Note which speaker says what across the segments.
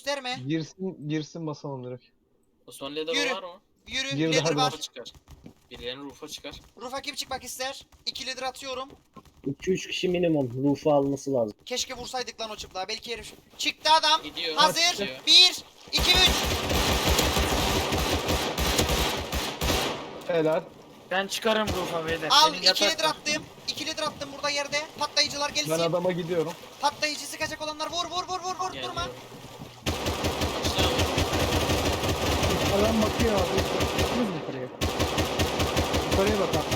Speaker 1: gösterme.
Speaker 2: Girsin basalım direkt.
Speaker 3: Osman Leather
Speaker 1: Yürü.
Speaker 3: var mı?
Speaker 1: Yürü,
Speaker 2: Girdi,
Speaker 1: ladder
Speaker 2: hadi
Speaker 1: var.
Speaker 2: bak.
Speaker 3: Çıkar. Birilerinin rufa çıkar.
Speaker 1: Rufa kim çıkmak ister? 2 ladder atıyorum.
Speaker 4: 2-3 kişi minimum roof'u alması lazım.
Speaker 1: Keşke vursaydık lan o çıplığa. Belki herif. Çıktı adam.
Speaker 3: Gidiyor.
Speaker 1: Hazır.
Speaker 3: Gidiyor.
Speaker 1: 1, 2, 3.
Speaker 2: Helal.
Speaker 5: Ben çıkarım rufa beyler.
Speaker 1: Al
Speaker 5: Benim
Speaker 1: 2
Speaker 5: yatak
Speaker 1: ladder
Speaker 5: var.
Speaker 1: attım. 2 ladder attım burada yerde. Patlayıcılar
Speaker 2: Ben
Speaker 1: gelsin.
Speaker 2: adama gidiyorum.
Speaker 1: Patlayıcı sıkacak olanlar vur vur vur vur vur.
Speaker 3: Geliyor.
Speaker 1: Durma.
Speaker 3: Başla abi.
Speaker 6: Adam bakıyor abi. Baktınız mı yukarıya? Yukarıya bak abi.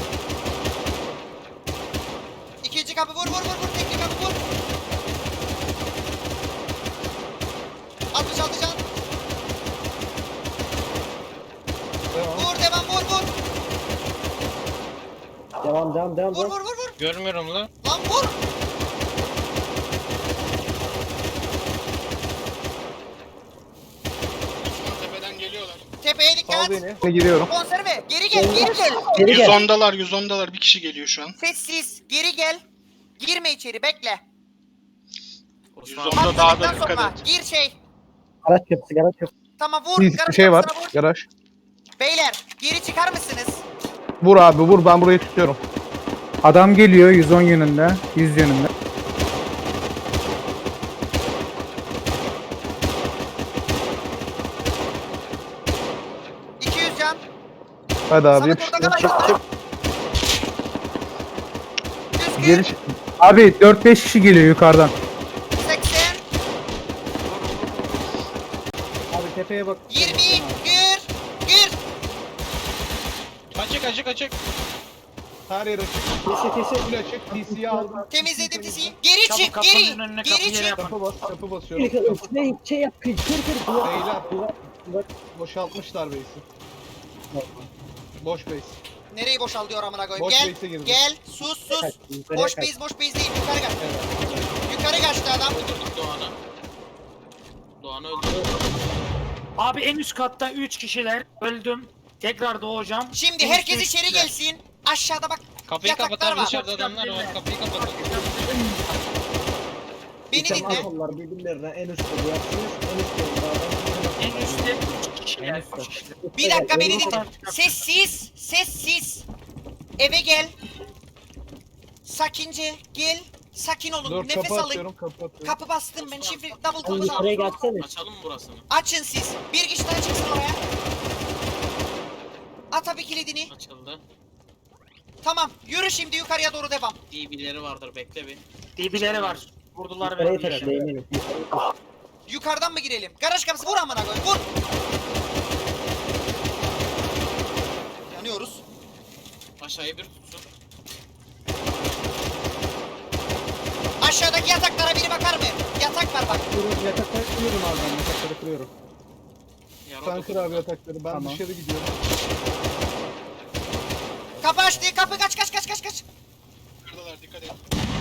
Speaker 1: İkinci kapı vur vur vur vur. Tekli kapı vur. 66 can.
Speaker 2: Devam.
Speaker 1: Vur devam vur vur.
Speaker 4: Devam.
Speaker 1: Vur vur vur vur.
Speaker 3: Görmüyorum lan.
Speaker 1: Lan vur.
Speaker 7: Tepeden geliyorlar.
Speaker 1: Tepeye
Speaker 2: Sal
Speaker 1: dikkat.
Speaker 2: beni. Giriyorum.
Speaker 1: Konserve. Geri gel geri gel.
Speaker 4: Geri gel.
Speaker 7: 110'dalar bir kişi geliyor şu an.
Speaker 1: Sessiz. Geri gel. Girme içeri bekle.
Speaker 3: Osman
Speaker 7: 110'da daha da
Speaker 1: Patladıktan
Speaker 7: dikkat
Speaker 1: sonra
Speaker 7: et.
Speaker 1: gir şey.
Speaker 4: Garaj kapısı.
Speaker 1: Tamam vur.
Speaker 2: Bir
Speaker 1: Garaj
Speaker 2: şey var.
Speaker 1: kapısına vur.
Speaker 2: Garaj.
Speaker 1: Beyler geri çıkar mısınız?
Speaker 2: Vur abi vur, ben burayı tutuyorum.
Speaker 6: Adam geliyor 110 yönünde. 100 yönünde.
Speaker 1: ...200 can.
Speaker 2: Hadi abi
Speaker 1: Samet
Speaker 2: yapıştır.
Speaker 1: orada kalay. 100
Speaker 6: Geri
Speaker 1: gir.
Speaker 6: çık- Abi 4-5 kişi geliyor yukarıdan.
Speaker 1: 80.
Speaker 6: Abi tepeye bak.
Speaker 1: 20. Gir. Gir.
Speaker 7: Açık.
Speaker 2: Her yer açık.
Speaker 4: Kesi.
Speaker 2: Full açık. DC'yi aldım.
Speaker 1: Temizledim diziyi. Geri
Speaker 5: Çabuk
Speaker 1: çık.
Speaker 5: kapının
Speaker 1: Geri.
Speaker 5: önüne
Speaker 1: Geri
Speaker 5: kapı yere
Speaker 1: çık.
Speaker 5: yapın.
Speaker 2: Kapı basıyorum.
Speaker 4: Şey yap. Kır.
Speaker 2: Beyler.
Speaker 4: Duvar.
Speaker 2: Boşaltmışlar base'i. Boş base.
Speaker 1: Nereyi boşal diyor amına koyayım.
Speaker 2: Boş
Speaker 1: Gel.
Speaker 2: base'e girdim.
Speaker 1: Gel. Sus.
Speaker 4: Yukarıya
Speaker 1: Boş
Speaker 4: kaç.
Speaker 1: base değil. Yukarı kaç. Yukarı kaçtı adam.
Speaker 3: öldürdük Doğan'ı. Doğan'ı öldürdük.
Speaker 5: Abi en üst katta 3 kişiler. Öldüm. Tekrar doğacağım.
Speaker 1: Şimdi
Speaker 5: En
Speaker 1: herkes
Speaker 5: üstte
Speaker 1: içeri
Speaker 5: üçler.
Speaker 1: gelsin. Aşağıda bak.
Speaker 3: Kapıyı
Speaker 1: Yataklar
Speaker 3: kapatalım,
Speaker 1: var.
Speaker 3: dışarıda adamlar var. Kapıyı kapatalım.
Speaker 1: Beni dinle.
Speaker 4: Onlar birbirlerine en üstte duyarsınız. En üstte
Speaker 5: En üstte 3 kişiler. 3 kişiler.
Speaker 1: Bir dakika beni dinle.
Speaker 5: Yukarı.
Speaker 1: Sessiz. Sessiz. Eve gel. Sakince gel. Sakin olun.
Speaker 2: Dur
Speaker 1: Nefes
Speaker 2: kapı
Speaker 1: alın.
Speaker 2: atıyorum. Kapı atıyorum.
Speaker 1: Kapı bastım ben. Şifre double
Speaker 4: Sen
Speaker 1: kapı
Speaker 4: yukarıya gelsene.
Speaker 3: Açalım mı burasını?
Speaker 1: Açın siz. Bir kişi daha çıksın oraya. At abi kilidini.
Speaker 3: Açıldı.
Speaker 1: Tamam. Yürü şimdi yukarıya doğru devam.
Speaker 3: DB'leri vardır, bekle bir.
Speaker 5: DB'leri var. Vurdular
Speaker 4: Yukarıya
Speaker 5: beni.
Speaker 4: taşla eminim.
Speaker 1: Yukarıdan mı girelim? Garaj kapısı vur amına koy. Vur. Yanıyoruz.
Speaker 3: Aşağıya bir tutsun.
Speaker 1: Aşağıdaki yataklara biri bakar mı? Yatak var bak.
Speaker 6: Yatakları kırıyorum abi ben. Yatakları kırıyorum.
Speaker 3: Yara
Speaker 2: Sen kır abi yatakları. Ben
Speaker 6: Tamam.
Speaker 2: dışarı gidiyorum.
Speaker 1: Kapı açtı. Kapı kaç.
Speaker 7: Kırdılar dikkat et.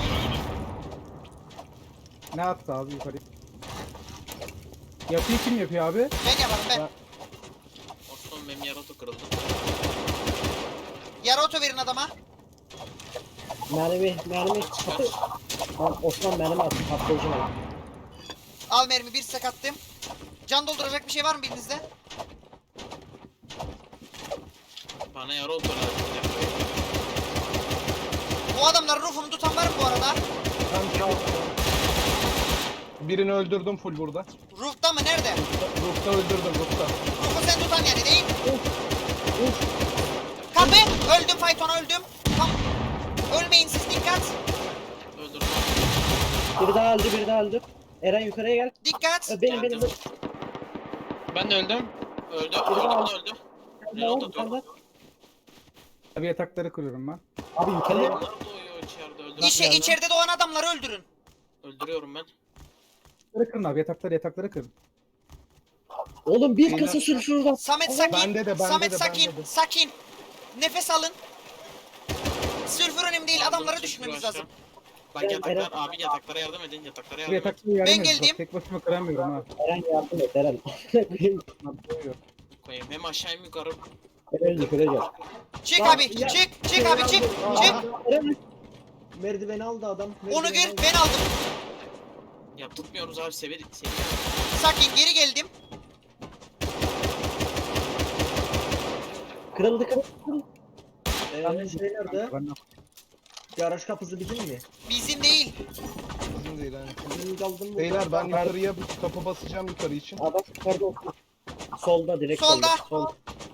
Speaker 6: Ne attı abi yukarıya? Yapıyı kim yapıyor abi?
Speaker 1: Ben yaparım ben.
Speaker 3: Osman benim yaratu kırıldı.
Speaker 1: Yara oto verin adama.
Speaker 4: Mermi. Kapı. Lan Osman mermi attı. Patlayıcı mermi.
Speaker 1: Al mermi bir stack attım. Can dolduracak bir şey var mı birinizde?
Speaker 3: Bana yara otur lazım.
Speaker 1: Bu adamların ruhunu tutan var mı bu arada?
Speaker 2: Birini öldürdüm full burada.
Speaker 1: Ruhta mı? Nerede?
Speaker 2: Roof'ta öldürdüm roof'ta.
Speaker 1: Ruhu sen tutan yani değil. Kapı. Öldüm Fayton'a öldüm. Tam. Ölmeyin siz dikkat.
Speaker 3: Öldürdüm.
Speaker 4: Biri daha öldü. Eren yukarıya gel.
Speaker 1: Dikkat.
Speaker 4: Benim.
Speaker 3: Ben de öldüm. Öldü.
Speaker 4: Biri daha
Speaker 3: Öldü. Öldü. Reload atıyorum.
Speaker 6: Abi yatakları kırıyorum ben.
Speaker 4: Abi yukarıya gel.
Speaker 3: Onlar doğuyor içeride. Öldürüyorum.
Speaker 1: İçeride doğan adamları öldürün.
Speaker 3: Öldürüyorum ben.
Speaker 6: Yatakları kırın abi. Yatakları kırın.
Speaker 4: Oğlum bir kasa sülfür var.
Speaker 1: Samet sakin.
Speaker 2: Bende de,
Speaker 1: Samet
Speaker 2: bende
Speaker 1: sakin.
Speaker 2: de.
Speaker 1: Sakin. Nefes alın. Sülfür önemli değil. Adamları düşürmemiz lazım.
Speaker 3: Bak
Speaker 4: Ben
Speaker 3: yataklar
Speaker 4: Eren-
Speaker 3: abi yataklara yardım edin. Yataklara
Speaker 6: Bu
Speaker 3: yardım edin.
Speaker 6: yatakları yardım
Speaker 1: Ben
Speaker 6: edin. Bak,
Speaker 1: geldim.
Speaker 6: tek başıma kıramıyorum ha.
Speaker 4: Eren yardım et Eren.
Speaker 3: Koyayım. Hem aşağı hem yukarı.
Speaker 4: Eren yukarıya gel.
Speaker 1: Çık
Speaker 4: Ya,
Speaker 1: abi.
Speaker 4: ya.
Speaker 1: Çık abi çık. Çık.
Speaker 4: Eren. Merdiveni aldı adam.
Speaker 1: Onu gör. Ben aldım.
Speaker 3: Ya tutmuyoruz abi severik seni.
Speaker 1: Sakin geri geldim.
Speaker 4: Kırıldı. Şey nerede?
Speaker 6: Ben
Speaker 4: Garaj kapısı bizim mi?
Speaker 1: Bizim değil.
Speaker 2: Bizim değil hani.
Speaker 4: Bizim kaldım mı?
Speaker 2: Beyler ben yukarıya bir kapı basacağım yukarı için.
Speaker 4: Adam yukarıda oturuyor. Solda direkt
Speaker 1: Solda.
Speaker 4: Sol.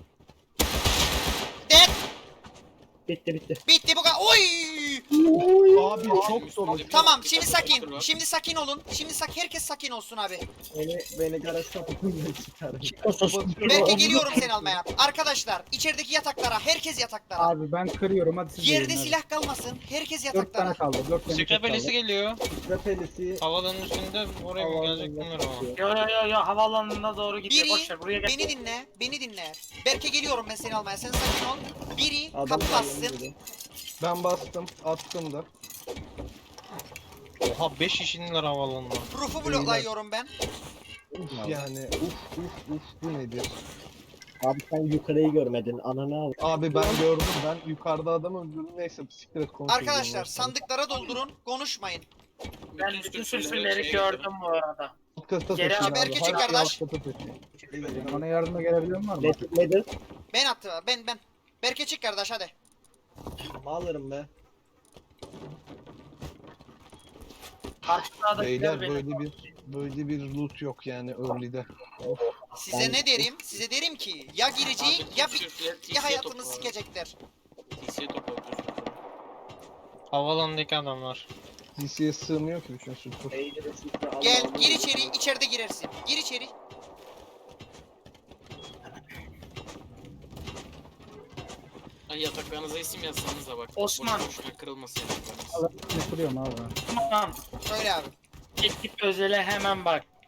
Speaker 1: Dead.
Speaker 4: Bitti.
Speaker 1: Bitti bu kadar. Oy!
Speaker 2: Abi çok dolu.
Speaker 1: Tamam şimdi sakin. Şimdi sakin olun. Şimdi herkes sakin olsun abi.
Speaker 4: Beni garaj kapısından çıkarın.
Speaker 1: Berke geliyorum seni almaya. Arkadaşlar içerideki yataklara. Herkes yataklara.
Speaker 6: Abi ben kırıyorum hadi siz
Speaker 1: Yerde
Speaker 6: yiyin, hadi.
Speaker 1: silah kalmasın. Herkes
Speaker 6: 4 tane
Speaker 1: yataklara.
Speaker 6: kaldı. 4 tane
Speaker 8: Sıkra
Speaker 6: kaldı.
Speaker 8: pelisi geliyor.
Speaker 4: Repelisi.
Speaker 8: Havalanın üstünde oraya mı gelecek bilmiyorum ama.
Speaker 5: Yo havaalanına doğru gidiyor.
Speaker 1: Biri
Speaker 5: Boşver buraya gel.
Speaker 1: beni dinle. Berke geliyorum ben seni almaya. Sen sakin ol. Biri
Speaker 4: Adam
Speaker 1: kapı
Speaker 4: var
Speaker 1: bassın.
Speaker 4: yanımda.
Speaker 2: Ben bastım. Attım da.
Speaker 8: Oha 5 kişinin havalanına.
Speaker 1: Roof'u bloklayıyorum ben.
Speaker 2: Uf yani. Uf bu nedir?
Speaker 4: Abi sen yukarıyı görmedin. Ananı al.
Speaker 2: Abi ben gördüm. Ben yukarıda adam öldürdüm. Neyse siktir et konuşuruz.
Speaker 1: Arkadaşlar
Speaker 2: ondan sonra.
Speaker 1: sandıklara doldurun. Konuşmayın.
Speaker 5: Ben bütün sülfürleri gördüm bu arada.
Speaker 2: Alt kata
Speaker 5: Geri
Speaker 2: taşıyın
Speaker 1: haber
Speaker 2: abi.
Speaker 1: küçük
Speaker 2: Her şeyi
Speaker 1: kardeş.
Speaker 2: alt kata taşıyın.
Speaker 6: Bana yardıma gelebilen var mı?
Speaker 4: Nedir?
Speaker 1: Ben attım. Ben. Berke çık kardeş hadi.
Speaker 4: Alırım be.
Speaker 5: Karşıda da
Speaker 2: Beyler böyle bir loot yok yani early'de.
Speaker 1: Size
Speaker 4: Ben-
Speaker 1: ne derim? Size derim ki ya girecek ya hayatını sikecekler.
Speaker 3: TC'ye topla.
Speaker 8: Havalandaki adamlar.
Speaker 2: DC'ye sığmıyor ki bütün sulfur.
Speaker 1: Gel gir içeri. İçeride girersin. Gir içeri.
Speaker 3: Ay yataklarınıza isim yazsanız da bak.
Speaker 5: Osman.
Speaker 3: Boşuna kırılmasın yataklarınız.
Speaker 6: Ne kuruyorum abi.
Speaker 5: Tamam.
Speaker 1: Söyle abi.
Speaker 5: Ekip özele hemen bak.